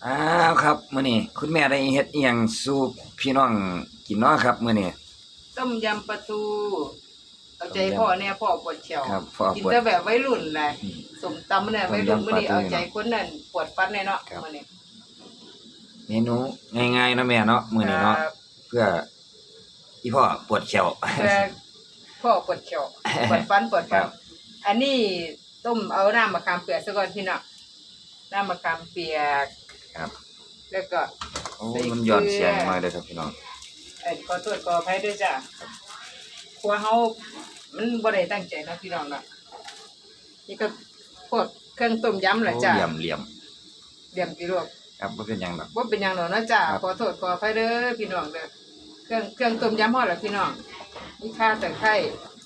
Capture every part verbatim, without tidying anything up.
อ้าวครับมื้อนี้คุณแม่ได้เฮ็ดอีหยังสู่พี่น้องกินเนาะครับมื้อนี้ต้มยำปลาทูเอาใจพ่อเนี่ยพ่อปวดเขียวครับพ่อกินปวดแต่แบบวัยรุ่นแหละอืมสมตำเนี่ยต้มยำวัยรุ่นมื้อนี้ปลาทูเอาใจคนนั่นปวดฟันแน่เนาะครับมื้อนี้เมนูง่ายๆเนาะแม่เนาะมื้อนี้เนาะครับเพื่ออีพ่อปวดแขวเพื่อพ่อปวดเขียวปวดฟันปวดครัฟันบอันนี้ต้มเอาน้ำมะขามเปียกซะก่อนพี่น้องน้ำมะขามเปียกครับแล้วก็โอ้มันย้อนเสียงมาเลยครับพี่น้องเอ้ยขอโทษขออภัยด้วยจ้ะครัวเฮามันบ่ได้ตั้งใจนะพี่น้องเนาะนี่ก็พวกเครื่องต้มยำแหละโอ้จ้ะเหลี่ยมเหลี่ยมเดี่ยมกี่ลูกครับบ่เป็นหยังดอกว่าเป็นอย่างหนอนะจ้าครับขอโทษขออภัยเด้อพี่น้องเด้อเครื่องเครื่องต้มยำห่อละพี่น้องนี่ข่าตะไคร้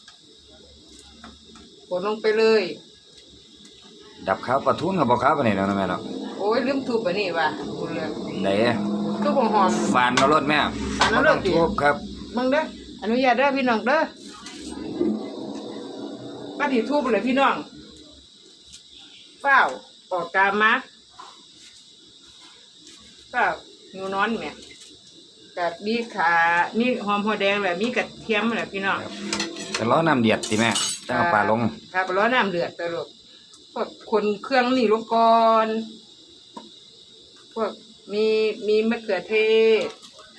กดลงไปเลยดับข้าวปลาทูนกับบ่ข้าวปานนี้เนาะแม่เนาะโอ้ยลืมทุบอันนี้ว่ะคุณเลยได้ทุบหอมฟานเอารถแม่ฟานเอารถดิบ่ต้องทุบครับๆมึงเด้ออนุญาตเด้อพี่น้องเด้อป้าที่ทุบเลยพี่น้องเฝ้าวปอกกามักเฝ้าวงูนอนแม่กับมีขามีหอมหัวแดงแหละมีกระเทียมแหละพี่น้องครับแต่รอน้ำเดือดสิแม่จังเอาปลาลงครับร้อนน้ำเดือดตลกพวกคนเครื่องนี่ลงก่อนพวกมีมีมะเขือเทศ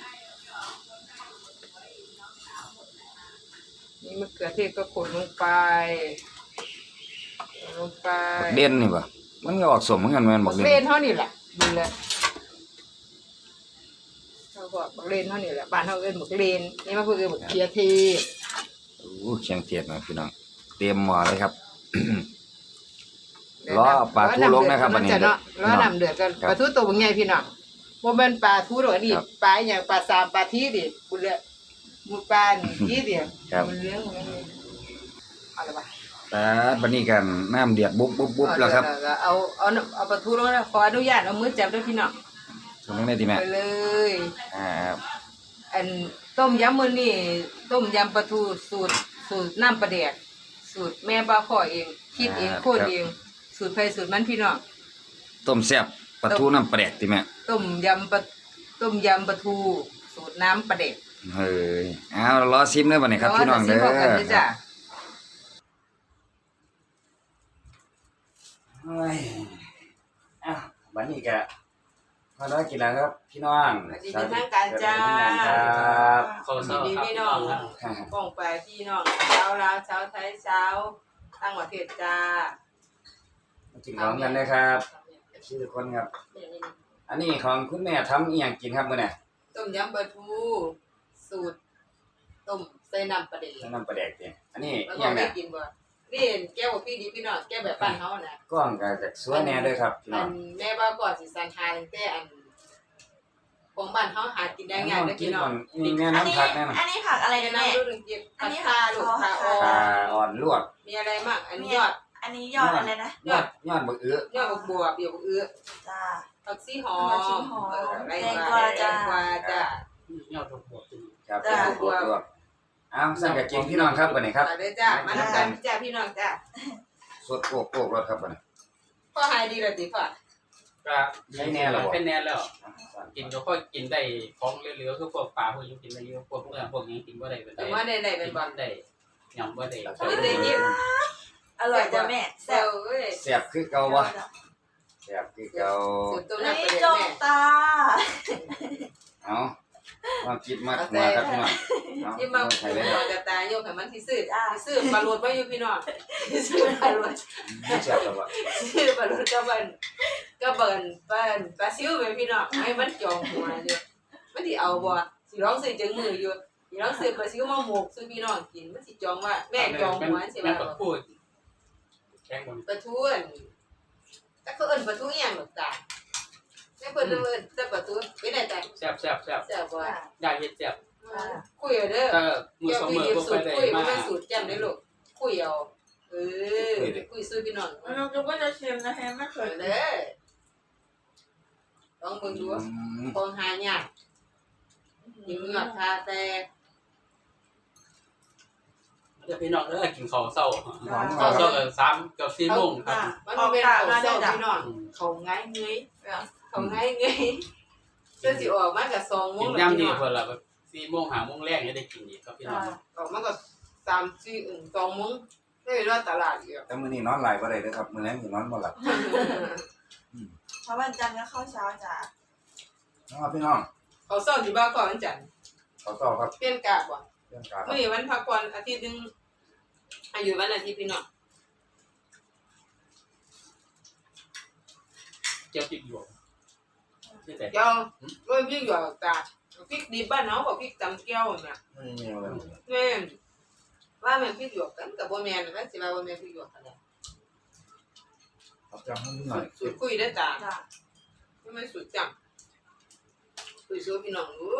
มีมะเขือเทศก็ขนลงไปขนลงไปบักเด่นนี่บ่มันก็ออกสมเหมือนกันแม่นบับักกเด่เลนนเท่านี่แหละดูเลยเขาบอกบักเลนเท่านี่แหละบ้านเขาเอิ้นบักเลนนี่มาเพื่อเอิ้นบักเขือเทศโอ้เชียงเทียดนะพี่น้องเตรียมหม้อเลยครับ รอปลาทูลงนะครับวันนี้จะเนาะรอน้ำเดือดกันครับปลาทูตัวบางใหญ่พี่น้องบ่แม่นปลาทูดอกนี่ครับปลาอหย่างปลาสามปลาทีดิกูเลยหมูปลานี่ทีเดียวครับมันเลี้ยงมันเลยเอาละบ่แต่บัดนี้กันน้ำเดือดบุ๊บบุ๊บบุ๊บแล้วครับเอาเอาเอาเอาปลาทูลงนะขออนุญาตเอามือจับด้วยพี่น้องตรงนี้ได้ดีแม่ไปเลยอ่าครับอันต้มยำมื้อนี้ต้มยำปลาทูสูตรสูตรน้ำปลาแดกสูตรแม่บ้าข้อเองคิดเองโคตรเองสูตรไผสูตรมันพี่น้องต้มแซ่บปลาทูน้ำปลาแดกติแม่ต้มยำปลาต้มยำปลาทูสูตรน้ำปลาเด็กเฮ้ยเอารอซิมเด้อบัดนี้ครับพี่น้องเด้อแล้วก็จะซิมพร้อมกันด้วยจ้ะเฮ้ยอ้าวบัดนี้ก็พอได้กินแล้วครับพี่น้องสวัสดีเป็นทางการจ้าสวัสดีเป็นทางการครับขอสเศวัร้าสดีครับพี่พี่น้น้ออง งครับป้องไปพี่น้องชาวลาวชาวไทยชาวต่างประเทศจ้ามากินของกันนะครับชื่อคนครับ อันนี้ของคุณแม่ทำอีหยังกินครับมื้อนี้ต้มยำปลาทูสูตรต้มใส่น้ำปลาเด็กน้ำปลาแดกติอันนี้แล้วอีหก็ยังไม่เนี่ยกินบ่นี่แก้วพี่ดีพี่น้องแก้วแบบบ้านเฮาน่ะกล้องก็จากสวยแน่เด้วยครับพี่น้อัองนแม่ว่าก่อนสิสันหาตั้งแต่อันของบ้านเฮาหากินได้ง่ายเด้อกินพี่น้ก่ออง นนี่แม่อันนี้น้ำผักแน่นอนอันนี้ผักอะไรกันน้ำแม่ลูกหนึ่งเก็บอันนี้ผักคาลูกผักอ๋อ่อปลาอนอ่อนลวกมีอะไรบ้างอันนี้ยอดอันนี้ยอดอะไรนะยอดยอดบักเอื้อยอดบวบเดี๋ยวบวบเอื้อจ้าผักซีหอผักชีมหอมเอออะไรแตงกกวาว จ้าแตงกวาจ้ายอดบวกจริงครับจ้ะบวบลวกอ้าวสั่งกับกินพี่น้องครับบัดนี้ครับมาเลยจ้ามาทำกันจ้าพี่น้องจ้าสดโปกโปกรสครับบัดนี้พ่อหายดีเลยติพ่อก็ให้แน่แล้วบ่ให้แน่แล้ว กินก็ค่อยกินได้ของเหลือๆคือพวกปลาพวกนี้กินได้เยอะพวกเนื้อพวกนี้กินบ่ได้เป็นแต่ว่าได้ได้เป็นบอลได้ยำบ่ได้ไม่ได้ยินอร่อยจ้าแม่เซแซ่ลบเว้ยแซ่บคือเก่าบ่แซ่บคือเก่าสุดตัวนั้นนี่ประเด็นจงแม่ตาเอามาคิดมากมาครับพี่น้องเอาที่มาใส่เลยหมอกระตายโยกให้มันที่ซื้อที่ซื้อปลาโรดไว้อยู่พี่น้องที่ซื้อปลาโรดแซ่บแล้วบ่ซื้อปลาโรดก็เบิ่นก็เบิ่นเบิ่นปลาซิวไปพี่น้องให้มันจองหัวอยู่มันสิเอาบ่สิร้องซื้อจังมืออยู่สิร้องซื้อปลาซิวมาหมกซื้อพี่น้องกินมันสิจองว่าแม่จองหัวสิแม่ว่าก็พูดแกงบนปลาทูอั่นแต่เขาเอิ้นปลาทูอีหยังหรอกจ้าแม่เพิ่นเอิ้นแต่ปลาทูเป็นได้จ้ะแซ่บแซ่บแซ่บแซ่บบ่ได้เฮ็ดแซ่บคุยเอาเด้อถ้ามือเดี๋ยวสองพี่มือดิบบ่สูค่อตยรได้คุยบ่มาแม่นสูตรจ้ำได้ลูกคุยเอาเออคุยซื้อพี่น้องเราจะว่าจะชิมนะแฮะไม่เคเอย อเด้อลองเบิ่งดูอืมของหายากหิวหยอดคาแต่เดี๋ยวพี่น้องเด้อกินข้าวเช้าหอมข้าวเช้าก็สามกับสี่โมงครับมันบ่เป็นของเศร้าพี่น้องเขาง่ายเงยเออเขาง่ายไงเสื้อสิออกมากับสองโมกิงนแล้วย่ำพี่ดีน้องเพิ่นละแบบสี่โมงห้าโมงแรกเนี่ยได้กินอีกครับพี่น้องออกมากับสามสี่อึ่งสองโมงได้เวลาตลาดอีกแล้วแต่มื้อนี้นอนหลายบ่ได้เด้อครับมื้อแลงสินอนบ่หลับเพราะวันจันทร์ก็เข้าเช้าจ้ะนะครับพี่น้องเขาสอนที่บ้านก่อนวันจันทร์ขอต่อครับเปลี่ยนกะบ่เรื่องการครัมื้บอนี้วันพักก่อนอาทิตย์หนึงอายุวันอาทิตย์พี่น้องเจ้าพริกหยวกชื่อแต่เจ้าเริ่มยิ่งอยู่กะพริกดิบบ้านเฮาบ่พริกตำแก้วน่ะไม่มีอะไรแม่นว่าแม่นพริกหยวกกันก็บ่แม่นกันสิว่าบ่แม่นพริกหยวกกันแหละเอาจังให้หน่อยสูตรคุยได้อจ้าจ้ะไม่ไม่สูตรจังคุยสู้พี่น้องดู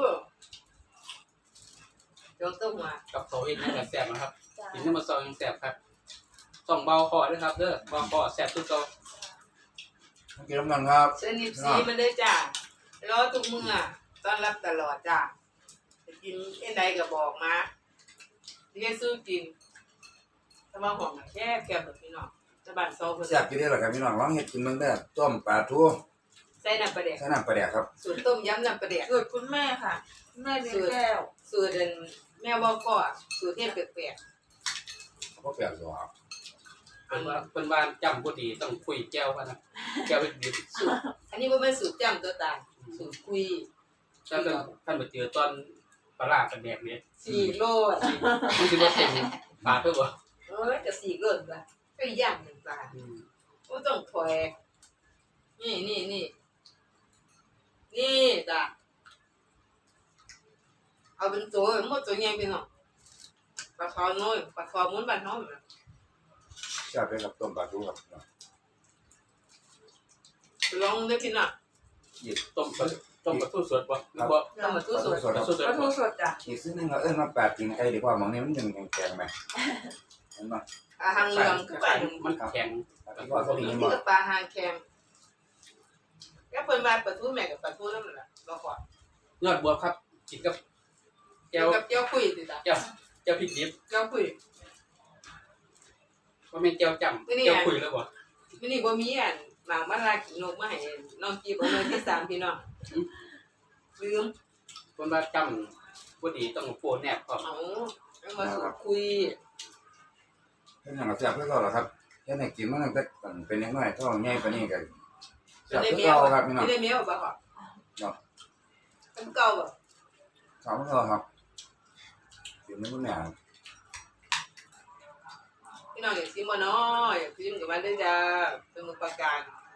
จองต้มมากับเขาเองนี่ก็แซ่บนะครับจ้ะกินน้ำมันซอยยังแซ่บครับส่องเบาคอด้วยครับเด้อเบาคอแซ่บทุกตัวกินน้ำมันครับเส้นนิบซีมันได้จ้ารอทุกมื้อต้อนรับตลอดจ้าจะกินเอ็นใดก็บอกมาที่ให้สู้กินถ้าว่าของแค่แก้แบบพี่น้องจะบ้านซอเพิ่นแซ่บอยู่เด้อล่ะครับพี่น้องลองเฮ็ดกินเบิ่งเด้อต้มปลาทูใส่น้ำปลาแดกใส่น้ำปลาแดกครับสูตรต้มยำน้ำปลาแดกสูตรคุณแม่ค่ะคุณแม่เลี้ยงแก้วสูตรเดินแม่บอกก็สูตรเทศแปลกบ่แปลกหรอกๆเพิ่อันนว่าเพิ่นว่าจำบ่ดีต้องคุยแก้วว่านะแก้วเป็นดิบสูตรอันนี้บ่แม่นสูตรจ้ำตัวตายสูตรคุยถ้าเพิ่นท่านไปเจอตอนปลาร้ากันแดกเนี่ยสี่โลอะมันสิบ่เต็มปากเพิ่นบ่เอ้ยจะสี่โลดละก็ย่างหนึ่งปลาอืมก็ต้องถอยนี่นี่นี่นี่จ้ะเอาเป็นตัวหมดตัวใหญ่ไปหน่อยปลาคอน้อยปลาคอม้วนบ้านเฮาน่ะแซ่บเลยครับต้มปลาทูครับลองได้พี่น้องต้มปลาต้มปลาทูสดบ่หรือบ่ต้องมาตู้สดสดครับสดปลาทูสดจ้ะอีกซึ่งนึงเราเอิ้นว่าปลาตีนไก่ดีกว่าหมองนี้มันยังแข็งๆไหมเห็นบ่อาหางเหลืองคือปลาหนึ่งมันแข็งปลาที่ว่าเขาดีนี่บ่คือปลาหางแข็งก็เพิ่นมาปลาทูแม่กับปลาทูนั่นแหละรอก่อนยอดบัวครับกินกับแก้เกี่ยววกับเจ้าคุยสิจ้ะแก้วแก้วพริกดิบเจ้าคุยว่าแม่นแก้วจำไม่นี่แก้วอ่ะคุยแล้วบ่มื้อนี้บ่มีอันหมากมาลากินนกมาให้น้องจีบเอาเลยที่สามพี่น้องลืมเพิ่นว่าจำบ่ดีต้องโฟนแนบพร้อมเอาเอามาสูดคุยเฮ็ดหยังก็แซ่บคือเก่าล่ะครับเฮ็ดให้กินมาตั้งแต่เป็นน้อยๆเท่าใหญ่ปานนี้ก็แซ่บได้คือแมเก่าว ครับพี่น้องได้แมวบ่ครับครับอันเก่าบ่ขอบคุณครับกินไม่รู้แม่พี่น้องอยากซิมบ่เนาะอยากซิมกับมันได้จ้าสมุทรปราการ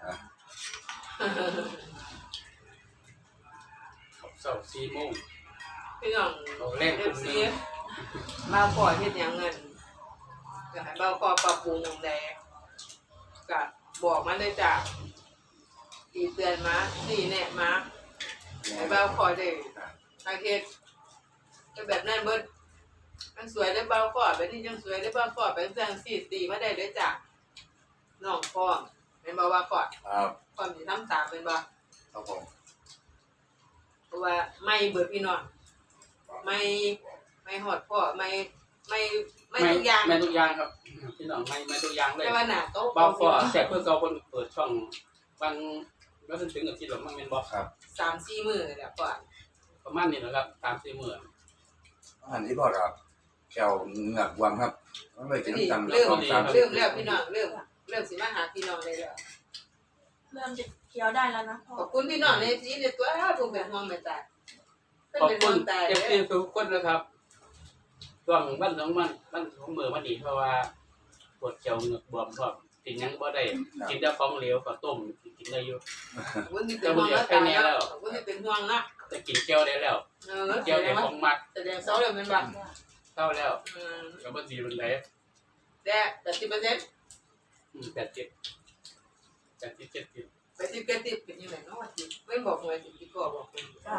เช้าสี่โมงพี่น้องเอาแรกเอคุฟณซีนึงมาขอเฮ็ดหยังเงินอยากให้บ่าวขอปรับปรุงหยังใดก็บอกมันได้จ้าตีเตือนมาตีแนะมาให้บ่าวขอได้ทางเฮ็ดก็แบบนั้นเบิดมันสวยได้บ่าวขอแบบนี้จังสวยได้บ่าวขอเป็นจังสี่ตีมาได้เด้อจ้าน้องพร้อมแม่นบ่ว่าขอครับความสิทำตามเป็นบ่ครับผมเพราะว่าไม่เบิดพี่น้องไม่ไม่หอดพ่อไม่ไม่ไม่ทุกอย่างไม่ทุกอย่างครับพี่น้องไม่ไม่ทุกอย่างเลยแต่ว่าหน้าโต๊ะเบาฟอแซ่บเพื่อเก่าเพิ่นเปิดช่องบางแล้วถึงกับที่หลงมันแม่นบ่ครับสามสี่มื้อนี่แหละก่อนประมาณนี้นะครับตามสี่มื้ออาหารที่พ่อครับแก้วเหงือกวางครับมันไปกินนี่จำเริ่มสองสามเริ่มแล้วพี่น้องเริ่มเริ่มสิมาหาพี่น้องได้แล้วเริ่มจะเคี้ยวได้แล้วนะพ่อขอบคุณพี่น้องในที่ในตัวผมเป็นห่วงไม่ตายเป็นขอบเป็นคุห่วณงตายเอเด้ฟซีอทุกคนนะครับช่วงวันสองวันวันสองมื้อมาดีเพราะว่าปวดเขียวเหงือกบวมพร้อมกินหยังบ่ได้กินแต่ของเหลวก็ต้มกินได้อยู่ขอบคุณที่เป็นห่วงแล้วตายแล้วขอบคุณที่เป็นห่วงนะแต่กินแก้วได้แล้วเออแก้วได้ของมักแสดงเศร้าเลยมันบ่เท่าแล้วอืมก็บ่ดีมันได้แต่แต่สิบเปอร์เซ็นต์อืมแปดสิบ แปดสิบ เจ็ดสิบไปสิบเกติบเป็นยังไงเนาะว่าสิไม่บอกหน่วยสิพี่ก็บอกคุณจ้ะ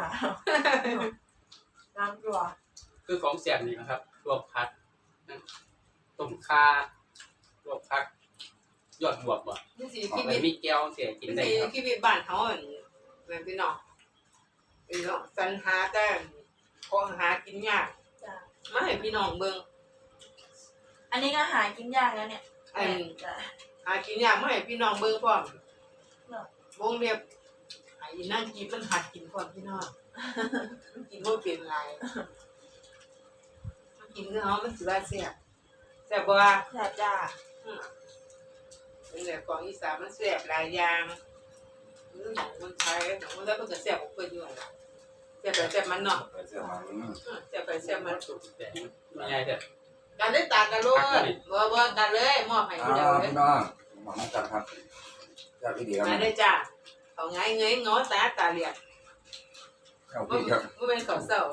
น้ำตัวคือของแซ่บนี่นะครับลวกผักนะต้มข่าลวกผัก ยอดบวบบ่นี่สิออกชีไปวิตมีแก้วเสียกินนี่ได้สิครับชีวิตบ้านเฮาอันแม่นพี่น้องพี่น้องสรรหาแต่ของหากินยากจ้ะมาให้พี่น้องเบิ่งอันนี้ก็หากินยากแล้วเนี่ยอันจ้ะหากินยากมาให้พี่น้องเบิ่งพร้อมเนาะวงเล็บหาอีนั่งกินมันหัดกินก่อนพี่น้องมันกินบ่เป็นไรมันกินเนื้อมันสิว่าแซ่บแซ่บบ่ว่าแซ่บจ้าเป็นแบบของอีสานมันแซ่บหลายอย่างมันของคนไทยของคนไทยมันก็แซ่บกว่าเพิ่นอยู่ล่ะแซ่บไปแซ่บมันเนาะไปเสื้อมาอืมแซ่บไปแซ่บมันแต่ไม่ใช่แต่กันได้ตากันโลดบ่บ่กันเลยมอบให้อ้าผู้เดียววเลยพี่น้องหมอมาจัดครับจัดพี่ดีครับมาได้จ้าเอาไงเงยง้อตาตาเหลียกเข้าบ่พี่ครับบ่เป็นข้าวเช้า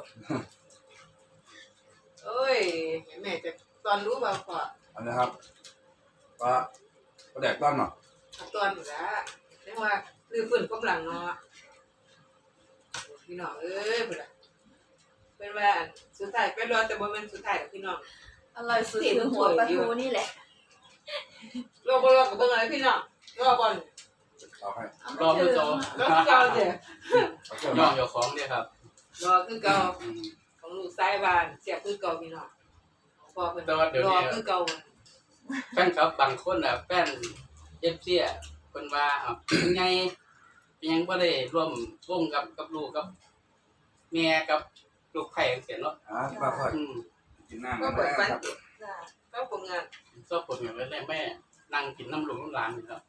โอ้ยแม่จะตอนรู้บ่พออันนี้ครับก็ก็แดกต้อนเนาะตอนอยู่แล้วเรียกว่าลือฟื้นกำลังเนาะพี่น้องเอ้ยพุ่นน่ะเป็นว่าสุดท้ายเป็นรอแต่บ่แม่นสุดท้ายพี่น้องอร่อยสุดคือหัวปลาทูนี่แหละรอบ่รอกับเบิ่งอะไรพี่น้องรอบ่อนเอาให้รอมือโตรอคือเก่าเด้เอาเสื้อน้อมางเจ้าของเนี่ยครับรอคือเก่าของลูกชายบ้านเสียคือเก่าพี่น้องพอเพิ่นรอคือเก่าแฟนครับบางคนอ่ะแฟนเอฟซีอ่ะเพิ่นว่าอ่ะยังไงยังบ่ได้ร่วมวงกับกับลูกกับแม่กับลูกไผ่จังซี่เนาะอ่าป้าค่อยอืมกินน้ำก็กันเปิดฟันนะครับจ้าก็ผลงานก็ผมอย่างแรกแม่นั่งกินน้ำลูกน้ำหลานนี่ครับ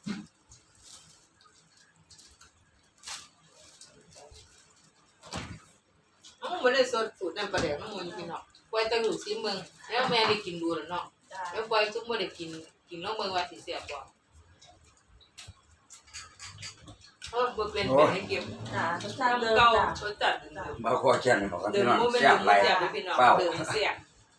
อ้าวบ่ได้สดสูตรน้ำปลาแดกน้ำมันพี่น้องปล่อยแตะลูกซิเมืองแล้วแม่ได้กินดูแล้วเนาะจ้าแล้วปล่อยซุมบ่ได้กินกินน้องเมืองว่าสิแซ่บบ่เออบ่เป็นเป็นให้เก็บจ้ารสชาติเดิมน้ำเก่าจ้ารสจัดมาขอแข่งกันบอกครับเดิพี่มน้องบ่แม่นแซ่บเดิมไรแซ่บพี่น้องเปล่าเดิมแซ่บ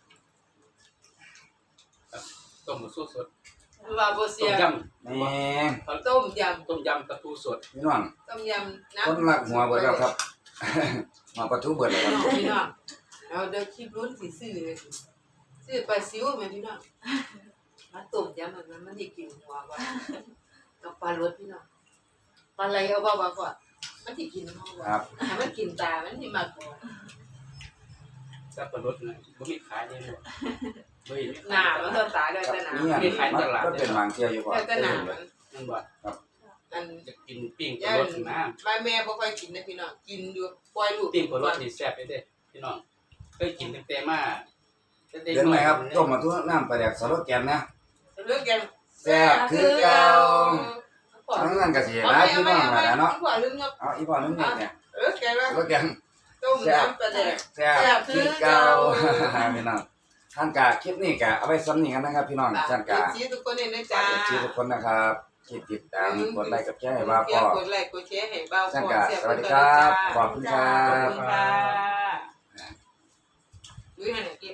ต้มสู้สดว่าบ่ต้เสีมยยแม่งต้มยำำต้มยำปลาทูสดพี่น้องต้มยำน้ำคนรักหัวเบิดแล้วครับ หัวปลาทูเบิดแล้วครับพี่น้องเอาเดี๋ยวคลิปรุ่นสิซื้อเลยซื้อปลาซิวแม่พี่น้องมาต้มยำมันมันสิกินหัวบ่กับปลารสพี่น้องปลาไหลเอาบ่ว่าก่อนมันสิกินหัวบ่ครับถ้ามันกินตามันสิมากกว่าสับปะรดนะบ่มีขายเลยเนาะบ่มีหน้ามันต้องตาได้ครับแต่หน้านี่อันมันก็เป็นวางเที่ยวอยู่ก่อนได้แต่หน้ามันนั่นบ่อันจะกินปิ้งปย่าลาน รสนะบ้านแม่บ่ค่อยกินนะพี่น้องกินอยู่ปล่อยลูกปิ้งปลารสนี่แซ่บเด้พี่น้องเคยกินตั้งแต่มาตั้งแต่เห็นไหมครับต้มมาทุกน้ำปลาแดกสโลแกนนะเลิกกันแซ่บคือเก่าทั้งนั้นก็สิเอานะไปพี่เอาไปน้องเอาไปนะเนาะดีกว่าลืมเนาะเอาอีพอนึงนี่เนี่ยเออแกว่าสโลแกนต้มน้ำปลาแดกแซ่บคือเก่าพี่น้องท่านกาคลิปนี้กะเอาไปซ้ำนี่กันนะครับพี่น้องท่านกาชี้ทุกคนเลยนะฝาจ๊ะกชื่อทุกคนนะครับที่ติดตามกดไลค์กับแชร์ให้บ้าพ่อกดไลค์กดแชร์ให้บ้าท่านพ่อกาเสียสวัสดีครับขอบคุณครัขอบบ คุณค่ะดูให้หน่อยกิน